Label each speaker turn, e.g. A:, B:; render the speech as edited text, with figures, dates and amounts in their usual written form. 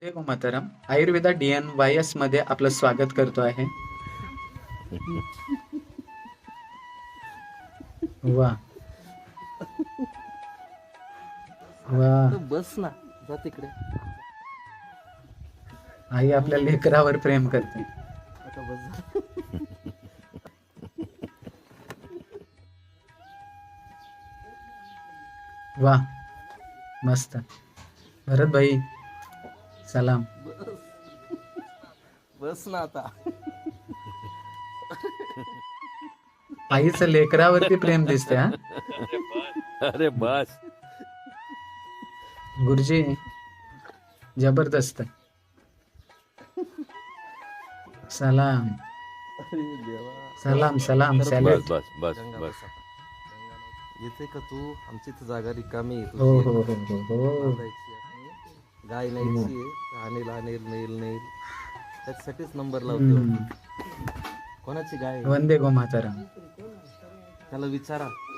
A: ते मातरम आयुर्वेदा DNYS मध्ये आपलं स्वागत करतो आहे. वा वा.
B: बस ना, जा तिकडे.
A: आई आपल्या लेकरावर प्रेम करते.
B: आता बस.
A: वा मस्त. भरत भाई सलाम.
B: बस ना आता.
A: आईचं लेकरावरती प्रेम दिसते हा.
C: अरे बस.
A: गुरुजी जबरदस्त. सलाम
B: अरे देवा.
A: सलाम सलाम
B: बस,
A: सॅल्यूट.
C: बस बस
B: गंगा
C: बस.
B: बस आता. येते का तू? आमची तर जागा रिकामी आहे.
A: हो
B: तुझी
A: हो हो हो हो.
B: बांधायची आहे. गाय न्यायची आहे. अनिल अनिल नेल नेल त्याच्यासाठीच नंबर लावते.
A: हम्म.
B: कोणाची गाय आहे?
A: वंदे गो मातरम.
B: त्याला विचारा.